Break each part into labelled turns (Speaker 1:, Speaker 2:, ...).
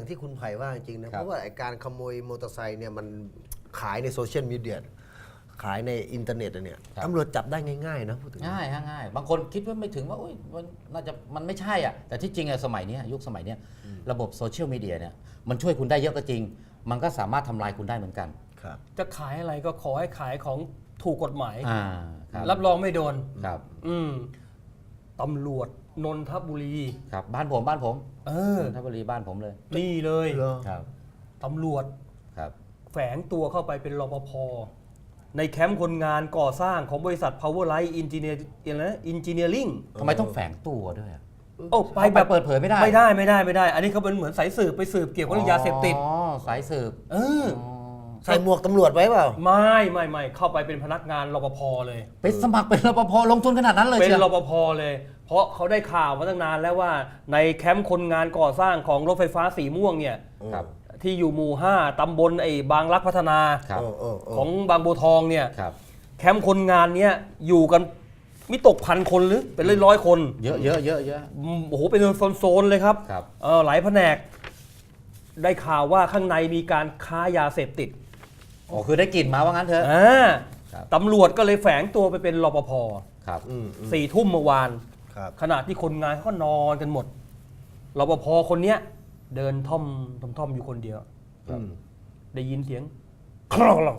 Speaker 1: ที่คุณไผ่ว่าจริงๆนะเพราะว่าการขโมยมอเตอร์ไซค์เนี่ยมันขายในโซเชียลมีเดียขายในอินเทอร์เน็ตเนี่ยตำรวจจับได้ง่ายๆนะพูดถึง
Speaker 2: ง่ายง่ายบางคนคิดว่าไม่ถึงว่ามันน่าจะมันไม่ใช่อ่ะแต่ที่จริงอะสมัยนี้ยุคสมัยนี้ระบบโซเชียลมีเดียเนี่ยมันช่วยคุณได้เยอะก็จริงมันก็สามารถทำลายคุณได้เหมือนกัน
Speaker 3: จะขายอะไรก็ขอให้ขายของถูกกฎหมาย
Speaker 2: ค
Speaker 3: รับรองไม่โดน
Speaker 2: ครับ
Speaker 3: ตำรวจนนทบุรี
Speaker 2: ครับบ้านผมนนทบุรีบ้านผมเลย
Speaker 3: นี่เลย
Speaker 2: ครับ
Speaker 3: ตำรวจ
Speaker 2: ครับ
Speaker 3: แฝงตัวเข้าไปเป็นรปภในแคมป์คนงานก่อสร้างของบริษัท Powerlight Engineering
Speaker 2: ทำไมต้องแฝงตัวด้วย
Speaker 3: ไปแบบ
Speaker 2: เปิดเผยไม่ได้
Speaker 3: อันนี้เขาเป็นเหมือนสายสืบไปสืบเกี่ยวกับเรื่องยาเสพติด
Speaker 2: สายสืบ
Speaker 1: ใส่หมวกตำรวจไว้เปล่า
Speaker 3: ไม่เข้าไปเป็นพนักงานรปภเลย
Speaker 2: ไปสมัครเป็นรปภลงทุนขนาดนั้นเลย
Speaker 3: เป็นรปภเลยเพราะเขาได้ข่าวมาตั้งนานแล้วว่าในแคมป์คนงานก่อสร้างของรถไฟฟ้าสีม่วงเนี่ยที่อยู่หมู่ 5 ตำบลบางรักพัฒนาของบางบัวทองเนี่ยแคมป์คนงานเนี้ยอยู่กันมิตกพันคนหรือเป็นร้อยคน
Speaker 2: เยอะ
Speaker 3: โอ้โหเป็นโซนเลยครับหลายแผนกได้ข่าวว่าข้างในมีการค้ายาเสพติด
Speaker 2: คือได้กลิ่นมาว่างั้นเถอะ
Speaker 3: ตำรวจก็เลยแฝงตัวไปเป็นรปภ4 ทุ่มเมื่อวานขณะที่คนงานเขานอนกันหมดรปภคนเนี้ยเดินท่อมอยู่คนเดียวได้ยินเสียงคลอง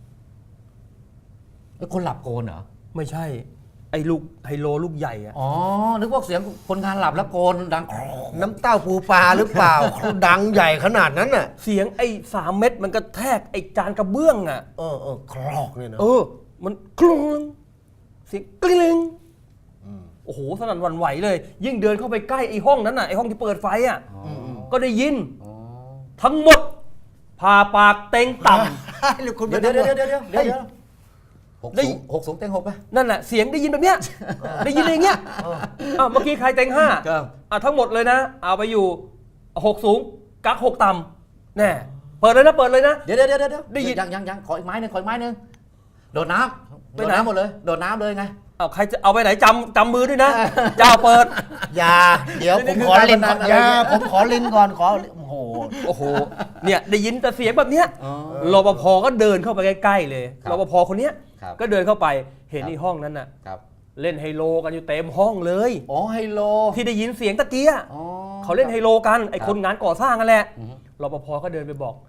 Speaker 2: แล้วคนหลับโกนเหรอ
Speaker 3: ไม่ใช่ไอ้ลูกไฮโลลูกใหญ่อะ
Speaker 2: นึกว่าเสียงคนงานหลับแล้วโกนดัง
Speaker 1: น้ำเต้าปูปลาหรือเปล่า ดังใหญ่ขนาดนั้นน่ะ
Speaker 3: เสียง3 เม็ดมันกระแทกจานกระเบื้องอะ
Speaker 1: คลอกเนี่ยนะ
Speaker 3: มันคลองเสียงกลิ้งโอ้โหสนั่นหวั่นไหวเลยยิ่งเดินเข้าไปใกล้ห้องนั้นน่ะห้องที่เปิดไฟอ่ะก็ได้ยินทั้งหมดผ่าปากเต็งต่ำ
Speaker 2: เดี๋ยว6 สูงเต็ง6ป่ะ
Speaker 3: นั่นแหละเสียงได้ยินแบบเนี้ยได้ยินอย่างเงี้ยเมื่อกี้ใครเต็ง5ทั้งหมดเลยนะเอาไปอยู่6 สูงกัก6 ต่ำแน่เปิดเลยนะ
Speaker 2: เดี๋ยวได้ยินยังขออีกไม้นึงโดดน้ำหมดเลยโดดน้ำเลยไง
Speaker 3: ใครจะเอาไปไหนจำมือด้วยนะเจ้าเปิด
Speaker 1: อย่าเดี๋ยวผมขอลินก่อนผมขอลินก่อนโอ้โห
Speaker 3: เนี่ยได้ยินแต่เสียงแบบเนี้ยรปภก็เดินเข้าไปใกล้ๆเลยรปภคนเนี้ยก็เดินเข้าไปเห็นในห้องนั้นน่ะเล่นไฮโลกันอยู่เต็มห้องเลย
Speaker 2: ไฮโล
Speaker 3: ที่ได้ยินเสียงตะเกียเขาเล่นไฮโลกันไอ้คนงานก่อสร้างกันแหละรปภก็เดินไปบอก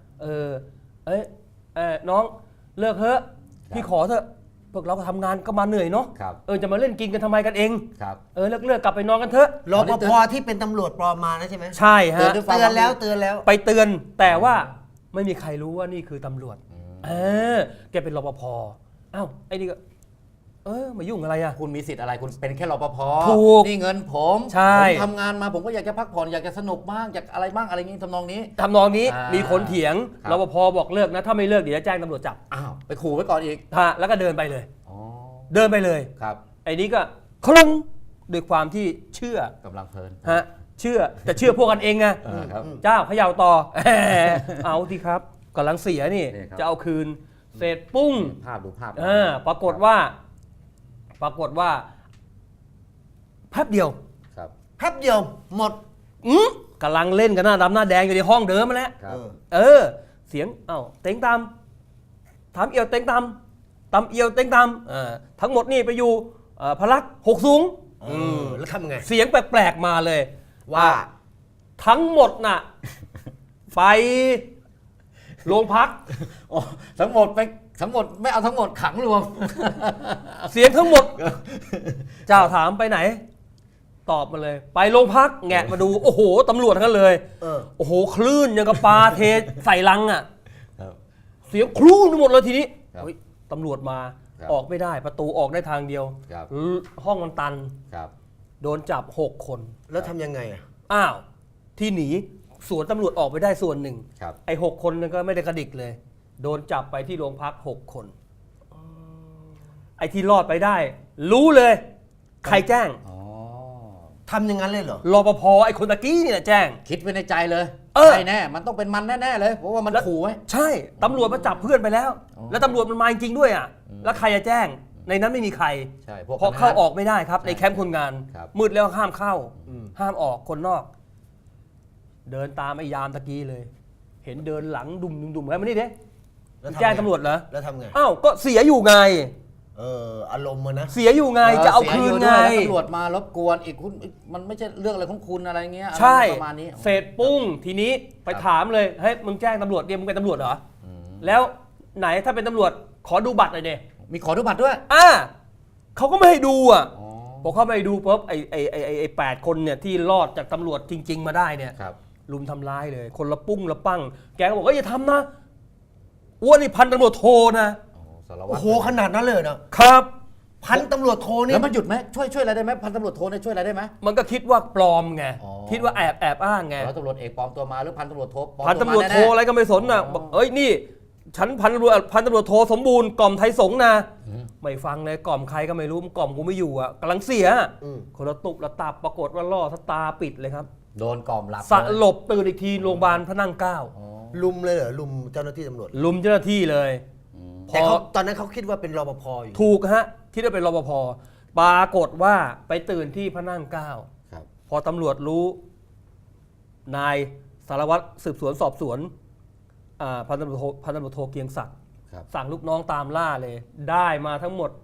Speaker 3: น้องเลิกเถอะพี่ขอเถอะพวกเราก็ทำงานก็มาเหนื่อยเนาะจะมาเล่นกินกันทำไมกันเองเลิกกลับไปนอนกันเถอะ
Speaker 1: รปภที่เป็นตำรวจปลอมมานะใช่ไหม
Speaker 3: ใช่ฮะ
Speaker 1: เตือนแล้ว
Speaker 3: ไปเตือนแต่ว่าไม่มีใครรู้ว่านี่คือตำรวจแกเป็นรปภไอ้นี่ก็มายุ่งอะไรอะ
Speaker 2: คุณมีสิทธิ์อะไรคุณเป็นแค่รปภ
Speaker 3: ถูก
Speaker 2: นี่เงินผมทำงานมาผมก็อยากจะพักผ่อนอยากจะสนุกบ้างอยากอะไรบ้างอะไรงี้ทำนองนี้
Speaker 3: มีคนเถียงรปภบอกเลิกนะถ้าไม่เลิกเดี๋ยวจะแจ้งตำรวจจับ
Speaker 2: ไปขู่ไว้ก่อนอีก
Speaker 3: แล้วก็เดินไปเลย
Speaker 2: ครับ
Speaker 3: ไอ้นี้ก็คลุ้งด้วยความที่เชื่อก
Speaker 2: ำลังเพลิน
Speaker 3: เชื่อแต่เชื่อพวกกันเองไงเจ้าเขย่าต่อเอาที่ครับกำลังเสียนี่จะเอาคืนเสร็จปุ้ง
Speaker 2: ดูภาพ
Speaker 3: ปรากฏว่าแป๊บเดียว
Speaker 1: หมด
Speaker 3: กำลังเล่นกันหน้าดำหน้าแดงอยู่ในห้องเดิมมาแล้วเสียงเต็งตามถามเอียวเต็งตามตำเอียวเต็งตามทั้งหมดนี่ไปอยู่พลัก6 สูง
Speaker 1: แล้วทำไง
Speaker 3: เสียงแปลกๆมาเลย
Speaker 1: ว่า
Speaker 3: ทั้งหมดน่ะไปโรงพัก
Speaker 2: ทั้งหมดไม่เอาทั้งหมดขังรวม
Speaker 3: เสียงทั้งหมดเจ้าถามไปไหนตอบมาเลยไปโรงพักแงะมาดูโอ้โหตำรวจทั้งนั้นเลยโอ้โหคลื่นยังกับปลาเทใส่ลังอ่ะเสียงคลื่นทั้งหมดเลยทีนี้ตำรวจมาออกไม่ได้ประตูออกได้ทางเดียวห้องมันตันโดนจับ6 คน
Speaker 1: แล้วทำยังไง
Speaker 3: ที่หนีส่วนตำรวจออกไปได้ส่วนหนึ่งไอ้6 คนนั้นก็ไม่ได้กระดิกเลยโดนจับไปที่โรงพัก6 คนไอ้ที่รอดไปได้รู้เลยใครแจ้ง
Speaker 1: ทำอย่างนั้นเลยเหรอ
Speaker 3: รปภไอ้คนตะกี้นี่แหละแจ้ง
Speaker 2: คิดไว้ในใจเลยใช่แน่มันต้องเป็นมันแน่ๆเลยเพราะว่ามันขู่ไว้
Speaker 3: ใช่ตำรวจมาจับเพื่อนไปแล้วแล้วตำรวจมันมาจริงด้วยแล้วใครจะแจ้งในนั้นไม่มีใครเพราะเข้าออกไม่ได้ครับในแคมป์คนงานมืดแล้วห้ามเข้าห้ามออกคนนอกเดินตามไอ้ยามตะกี้เลย เห็นเดินหลังดุมๆไว้มานี่เด้
Speaker 1: แล้วทำไง
Speaker 3: แจ้งตำรวจเหรอ
Speaker 1: แล้วทำไง
Speaker 3: อ้าวก็เสียอยู่ไง
Speaker 1: อารมณ์มันนะ
Speaker 3: เสียอยู่ไงจะเอาคืนไง
Speaker 2: ตำรวจมารบกวนอีกคุณมันไม่ใช่เรื่องอะไรของคุณอะไรเงี้ย
Speaker 3: ใช่
Speaker 2: ประมาณนี้
Speaker 3: เสร็จปุ้งทีนี้ไปถามเลยเฮ้ยมึงแจ้งตำรวจเนี่ยมึงเป็นตำรวจเหรอแล้วไหนถ้าเป็นตำรวจขอดูบัตรหน่อยเด้
Speaker 2: มีขอดูบัตรด้วย
Speaker 3: เขาก็ไม่ให้ดูอ่ะ
Speaker 2: อ๋อ
Speaker 3: พอเขาไม่ให้ดูปุ๊บไอ้8 คนเนี่ยที่รอดจากตำรวจจริง ๆ มาได้เนี่ย
Speaker 2: ครับ
Speaker 3: ลุมทำร้ายเลย คนละปุ้งละปั้งแกก็บอกว่าอย่าทำนะอ้วนนี่พันตำรวจโทนะ
Speaker 2: สารวั
Speaker 1: โอ้
Speaker 2: ตร
Speaker 1: โหขนาดนั้นเลยนะครับ พันตำรวจโทนี่
Speaker 2: แล้วมันหยุดไหมช่วยอะไรได้ไหมพันตำรวจโทเนี่ยช่วยอะไรได้ไหม
Speaker 3: มันก็คิดว่าปลอมไง
Speaker 2: อ๋อ
Speaker 3: คิดว่าแอบอ้างไง
Speaker 2: ร้อยตำรวจเอกปลอมตัวมาหรือพันตำรวจโทปลอม
Speaker 3: พัน
Speaker 2: ตัว
Speaker 3: ตำ
Speaker 2: มาร
Speaker 3: วจโท
Speaker 2: แน่ๆ
Speaker 3: อะไรก็ไม่สนนะ
Speaker 2: อ๋อ
Speaker 3: บอกเอ้ยนี่ ฉันพันตำรวจโทสมบูรณ์กล่อมไทยสงฆ์นะไม่ฟังเลยกล่อมใครก็ไม่รู้มันกล่อมกูไม่อยู่อ่ะกำลังเสียคนละตุบละตับปรากฏว่าล่อสตาปิดเลยครับ
Speaker 2: โดนกล่อมหลับ
Speaker 3: สลบตื่นอีกทีโรงพยาบาลพระนั่งเกล้า
Speaker 2: อ๋อ
Speaker 1: ลุมเลยเหรอลุมเจ้าหน้าที่ตำรวจ
Speaker 3: ลุมเจ้าหน้าที่เลยพ
Speaker 1: แต่
Speaker 3: อ
Speaker 1: เขาตอนนั้นเขาคิดว่าเป็นรปภอยู่
Speaker 3: ถูกฮะคิดว่าเป็นรปภปรากฏว่าไปตื่นที่พระนั่งเกล้า
Speaker 2: ครับ
Speaker 3: พอตำรวจรู้นายสารวัตรสืบสวนสอบสวนพันตำรวจโทเกียงศักดิ์
Speaker 2: ครับ
Speaker 3: สั่งลูกน้องตามล่าเลย ได้มาทั้งหมด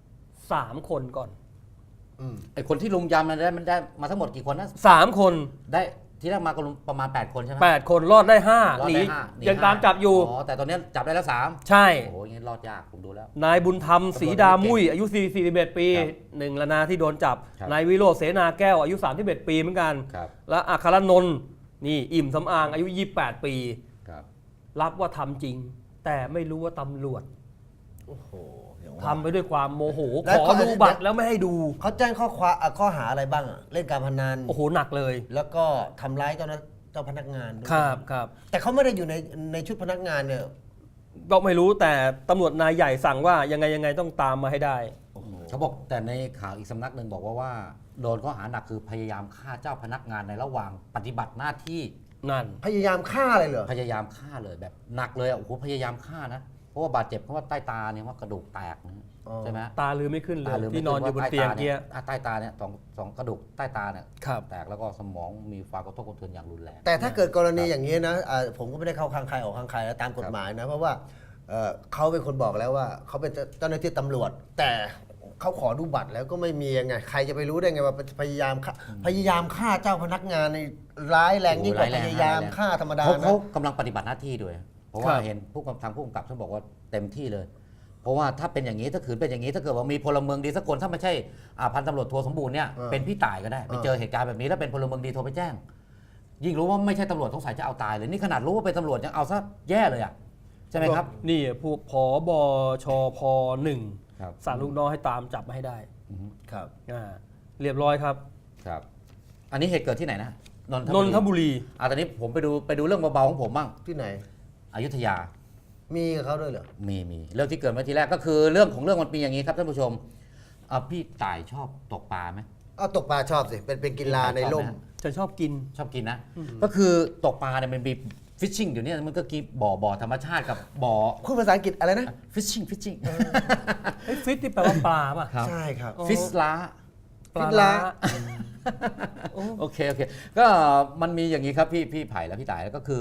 Speaker 3: 3 คนก่อน
Speaker 2: ไอคนที่ลุมยำมันได้มาทั้งหมดกี่คนนะ
Speaker 3: 3 คน
Speaker 2: ได้ที่แรกมาก็ลุมประมาณ8คนใช่ไหม
Speaker 3: 8 คนรอดได้
Speaker 2: รอ
Speaker 3: 5
Speaker 2: ด
Speaker 3: หนี
Speaker 2: ได้ห้าหนี
Speaker 3: ยังตามจับอยู่
Speaker 2: อ๋อแต่ตอนนี้จับได้แล้ว3
Speaker 3: ใช่
Speaker 2: โอ้โหอย่างนี้รอดยากผมดูแล้ว
Speaker 3: นายบุญธรรมศรีดามุ้ยอายุ41 ปี
Speaker 2: ครับ
Speaker 3: หนึ่งละนาที่โดนจับ
Speaker 2: ครับ
Speaker 3: นายวิโรจน์เสนาแก้วอายุ31 ปีเหมือนกัน
Speaker 2: ครับ
Speaker 3: และอัครนนท์นี่อิ่มสำอางอายุ 28 ปี
Speaker 2: ครับ
Speaker 3: รับว่าทำจริง แต่ไม่รู้ว่าตำรวจ
Speaker 1: โอ้โหอย่างว่า
Speaker 3: ทำไปด้วยความโมโห
Speaker 1: แล้ว
Speaker 3: ขอดูบัตรแล้วไม่ให้ดู
Speaker 1: เขาแจ้งข้อหาอะไรบ้างอะเล่นการพนัน
Speaker 3: โอ้โหหนักเลย
Speaker 1: แล้วก็ทำร้ายเจ้าพนักงานด้วย
Speaker 3: ครับ
Speaker 1: แต่เขาไม่ได้อยู่ในชุดพนักงานเนี่ย
Speaker 3: ก็ไม่รู้แต่ตำรวจนายใหญ่สั่งว่ายังไงต้องตามมาให้ได้
Speaker 2: เขาบอกแต่ในข่าวอีกสำนักหนึ่งบอกว่าโดนข้อหาหนักคือพยายามฆ่าเจ้าพนักงานในระหว่างปฏิบัติหน้าที่
Speaker 3: นั่น
Speaker 1: พยายามฆ่าเลยเหรอ
Speaker 2: พยายามฆ่าเลยแบบหนักเลยอ่ะโอ้โหพยายามฆ่านะเพราะว่าบาดเจ็บเพราะว่าใต้ตาเนี่ยว่ากระดูกแตกนะ
Speaker 1: อ๋อ
Speaker 2: ใช่ไหม
Speaker 3: ตาลืมไม่ขึ้นเล
Speaker 2: ตาย ลืม
Speaker 3: ที่นอนอยู่บน
Speaker 2: ไม่
Speaker 3: เตียง
Speaker 2: ขึ้
Speaker 3: เกี้ย
Speaker 2: ว่าใต้ตาเนี่ยสองกระดูกใต้ตาเนี่ย
Speaker 3: ครับ
Speaker 2: แตกแล้วก็สมองมีความกระทบกระเทือนอย่างรุนแรง
Speaker 1: แต่ถ้าเกิดกรณีอย่างนี้นะผมก็ไม่ได้เข้าข้างใครออกข้างใครแล้วตามกฎหมายนะ เพราะว่าเขาเป็นคนบอกแล้วว่าเขาเป็นเจ้าหน้าที่ตำรวจ แต่เขาขอดูบัตรแล้วก็ไม่มียังไงใครจะไปรู้ได้ไงว่าพยายามฆ่าเจ้าพนักงานในร้ายแรงยิ่งกว่า
Speaker 2: โอ้โหร้ายแรง
Speaker 1: พยายามฆ่าธรรมดา
Speaker 2: เขา
Speaker 1: นะ
Speaker 2: กำลังปฏิบัติหน้าที่ด้วย เพราะว่า
Speaker 3: ครับ
Speaker 2: เห็นทางผู้กำกับท่านบอกว่าเต็มที่เลย เพราะว่าถ้าเป็นอย่างนี้ถ้าขืนเป็นอย่างนี้ถ้าเกิดว่ามีพลเมืองดีสักคนถ้าไม่ใช่พันตำรวจโทสมบูรณ์เนี่ยเป็นพี่ต่ายก็ได้ไปเจอเหตุการณ์แบบนี้แล้วเป็นพลเมืองดีโทรไปแจ้ง ยิ่งรู้ว่าไม่ใช่ตำรวจสงสัยจะเอาตายเลยนี่ขนาดรู้ว่าเป็นตำรวจยังเอาซะแย่เลยอ่ะใช่ไหมครับ
Speaker 3: นี่พวกผบชพหนึ่ง
Speaker 2: ครับ
Speaker 3: สั่งลูกน้องให้ตามจับมาให้ได้
Speaker 1: ครับ
Speaker 3: เรียบร้อยครับ
Speaker 2: ครับ อันนี้เหตุเกิดที่ไหนนะ
Speaker 3: นนทบุรี
Speaker 2: ตอนนี้ผมไปดูเรื่องเบาๆของผมบ้าง
Speaker 1: ที่ไหน
Speaker 2: อยุธยา
Speaker 1: มีกับเขาด้วยเหรอ
Speaker 2: มีเรื่องที่เกิดมาทีแรกก็คือเรื่องของเรื่องมันเป็นอย่างนี้ครับท่านผู้ชมพี่ต่ายชอบตกปลาไหม
Speaker 1: เอาตกปลาชอบสิเป็นกีฬาในร่ม
Speaker 3: จะชอบกิน
Speaker 2: ชอบกินนะ ก็คือตกปลาเนี่ยมันมีฟิชชิ่งเดี๋ยวนี้มันก็กีบ่อธรรมชาติกับบ่อ
Speaker 1: พูดภาษาอังกฤษอะไรนะ
Speaker 2: ฟิชชิ่ง
Speaker 3: ไอ้ฟิตที่แปลว่าปลาป่ะ
Speaker 1: ใช่ครับ
Speaker 2: ฟิสล้า
Speaker 3: ปลา
Speaker 1: ฟิตล้า
Speaker 2: โอเคก็มันมีอย่างนี้ครับพี่ไผ่และพี่ต่ายแล้วก็คือ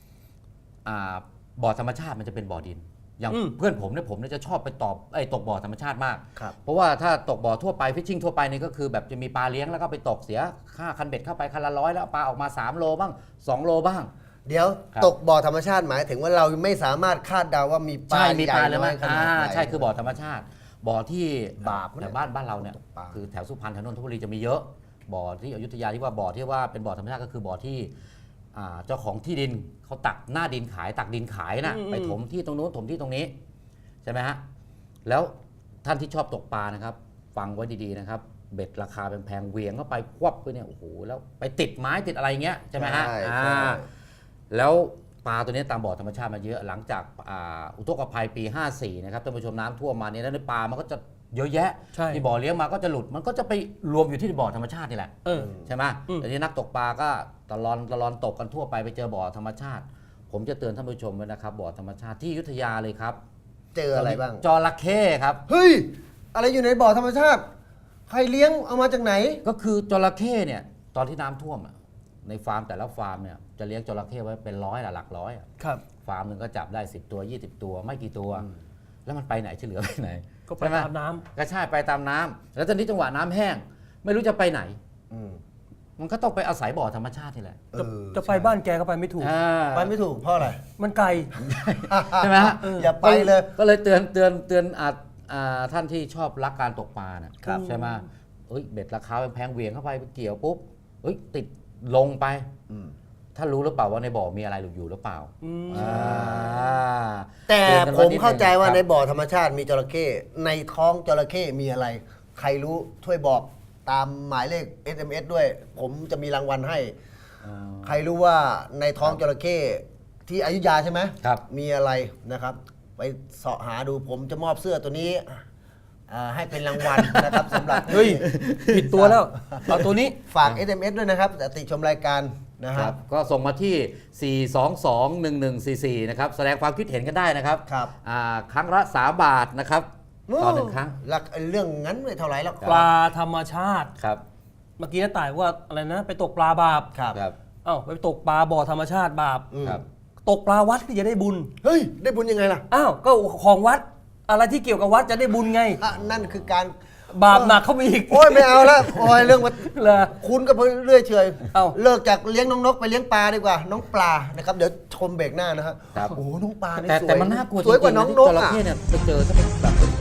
Speaker 2: บ่อธรรมชาติมันจะเป็นบ่อดิน อย่างเพื่อนผมเนี่ยจะชอบไปตกบ่อธรรมชาติมาก
Speaker 1: ครับ
Speaker 2: เพราะว่าถ้าตกบ่อทั่วไปฟิชชิ่งทั่วไปนี่ก็คือแบบจะมีปลาเลี้ยงแล้วก็ไปตกเสียค่าคันเบ็ดเข้าไปคันละ100แล้วปลาออกมา3โลบ้าง2โลบ้าง
Speaker 1: เดี๋ยว
Speaker 2: ครับ
Speaker 1: ตกบ่อธรรมชาติหมายถึงว่าเราไม่สามารถคาดเดาว่ามีปลา
Speaker 2: ใช่มี
Speaker 1: ใหญ่
Speaker 2: ปลาเลย
Speaker 1: น้
Speaker 2: ไหม
Speaker 1: อยขนาดไหน
Speaker 2: ใช่คือบ่อธรรมชาติ บ่อที่
Speaker 1: บาปนะ
Speaker 2: แต่บ้านเราเนี่ย
Speaker 1: ปลา
Speaker 2: คือแถวสุพรรณแถวนนทบุรีจะมีเยอะ บ่อที่อยุธยาที่ว่าบ่อที่ว่าเป็นบ่อธรรมชาติก็คือบ่อที่เจ้าของที่ดินเขาตักหน้าดินขายตักดินขายนะไปถมที่ตรงนู้นถมที่ตรงนี้ใช่ไหมฮะแล้วท่านที่ชอบตกปลานะครับฟังไว้ดีๆนะครับเบ็ดราคาแพงๆเหวียงเข้าไปควับไปเนี่ยโอ้โหแล้วไปติดไม้ติดอะไรเงี้ยใช่ไหมฮะ
Speaker 1: ใช่
Speaker 2: แล้วปลาตัวนี้ตามบ่อธรรมชาติมาเยอะหลังจากอุทกภัยปี 54 นะครับท่านผู้ชมน้ำท่วมมาเนี่ยแล้วในปลามันก็จะเยอะแยะ
Speaker 3: ใช่
Speaker 2: ที่บ่อเลี้ยงมาก็จะหลุดมันก็จะไปรวมอยู่ที่บ่อธรรมชาตินี่แหละ ใช่ไหม
Speaker 3: อืม
Speaker 2: แต่ที่นักตกปลาก็ตลอนตกกันทั่วไปไปเจอบ่อธรรมชาติ ผมจะเตือนท่านผู้ชมไว้นะครับบ่อธรรมชาติที่อยุธยาเลยครับ
Speaker 1: เจออะไรบ้าง
Speaker 2: จระเข้ครับ
Speaker 1: เฮ้ย อะไรอยู่ในบ่อธรรมชาติ ใครเลี้ยงเอามาจากไหน
Speaker 2: ก็คือจระเข้เนี่ยตอนที่น้ำท่วมในฟาร์มแต่ละฟาร์มเนี่ยจะเลี้ยงจระเข้ไว้เป็นร้อยหลักร้อยอะ
Speaker 3: ครับ
Speaker 2: ฟาร์มหนึ่งก็จับได้10 ตัว 20 ตัวไม่กี่ตัว แล้วมันไปไหนที่เหลือไปไหน
Speaker 3: ก็ไป
Speaker 2: ใช่ห
Speaker 3: ตามน้ำ
Speaker 2: ก็ใช่ไปตามน้ำแล้วตอนนี้จังหวะน้ำแห้ง ไม่รู้จะไปไหน
Speaker 1: อืม
Speaker 2: มันก็ต้องไปอาศัยบ่อธรรมชาตินี่แหละ
Speaker 1: เออ
Speaker 3: จะไปบ้านแกก็ไปไม่ถูก
Speaker 2: อ่า
Speaker 1: ไปไม่ถูกเพราะอะไร
Speaker 3: มันไกล
Speaker 2: ใช่ไหมฮะ
Speaker 1: อย่าไปเลย
Speaker 2: ก็เลยเตือนท่านที่ชอบรักการตกปลาน่ะ
Speaker 1: ครับ
Speaker 2: ใช่ไหมเอ้ยเบ็ดราคาแพงๆเหวี่ยงเข้าไปเกี่ยวปุ๊บเอ้ยติดลงไป
Speaker 1: อืม
Speaker 2: ท่านรู้หรือเปล่าว่าในบ่อมีอะไรอยู่หรือเปล่า
Speaker 3: อืม
Speaker 2: อ่า
Speaker 1: แต่
Speaker 2: เตือนกัน
Speaker 1: ผ
Speaker 2: ไว้
Speaker 1: ม
Speaker 2: นิดนึง
Speaker 1: เข้าใจว่า
Speaker 2: ครับ
Speaker 1: ในบ่อธรรมชาติมีจระเข้ในท้องจระเข้มีอะไร ใครรู้ช่วยบอกตามหมายเลข SMS ด้วย ผมจะมีรางวัลให้
Speaker 2: อ่า
Speaker 1: ใครรู้ว่าในท้องจระเข้ที่อยุธยาใช่ไหม
Speaker 2: ครับ
Speaker 1: มีอะไรนะครับ ไปเสาะหาดูผมจะมอบเสื้อตัวนี้ให้เป็นรางวัลนะครับสำหรับ
Speaker 3: เฮ้ย ผิดตัวแล้ว เอาตัวนี้
Speaker 1: ฝาก SMS ด้วยนะครับแต่ติชมรายการนะ
Speaker 2: ค
Speaker 1: ค
Speaker 2: รั
Speaker 1: รั
Speaker 2: บบ ก็ส่งมาที่ 4221144 นะครับแสดงความคิดเห็นกันได้นะครับ
Speaker 1: ครับ
Speaker 2: ครั้งละ3 บาทนะครับต่อหนึ่งครั้ง
Speaker 1: หลักเรื่องงั้นไม่เท่าไหร่หรอก
Speaker 3: ปลาธรรมชาติ
Speaker 2: ครับ
Speaker 3: เมื่อกี้น้าต่ายว่าอะไรนะ ไปตกปลาบาป
Speaker 1: ครับ
Speaker 2: ครับ
Speaker 3: เอ้าไปตกปลาบ่อธรรมชาติบาป
Speaker 1: อืม
Speaker 2: ครับ
Speaker 3: ตกปลาวัดก็จะได้บุญ
Speaker 1: เฮ้ย ได้บุญยังไงล่ะ
Speaker 3: อ้าว ก็ของวัด อะไรที่เกี่ยวกับวัดจะได้บุญไง
Speaker 1: นั่นคือการ
Speaker 3: บาปหนักเข้าไปอีก
Speaker 1: โอ้ยไม่เอาแล้วโอ้ยเรื่องมัน
Speaker 3: เหรอ
Speaker 1: คุณก็เรื่อยเฉย
Speaker 3: เอ้า
Speaker 1: เลิกจากเลี้ยงน้องนกไปเลี้ยงปลาดีกว่า น้องปลานะครับเดี๋ยวชมเบรกหน้านะฮะ
Speaker 2: ครับ
Speaker 1: โอ้โหน้องปลานี่
Speaker 2: แต่
Speaker 1: สวย
Speaker 2: แต่มันน่ากลัวจ
Speaker 1: สวยก
Speaker 2: ริ
Speaker 1: ว่าง
Speaker 2: ๆ
Speaker 1: น้
Speaker 2: นะ
Speaker 1: อง
Speaker 2: ที่
Speaker 1: นก
Speaker 2: จระ
Speaker 1: อ่ะ
Speaker 2: เข้เนี่ยไปเจอถ้าเป็นแบบเป็น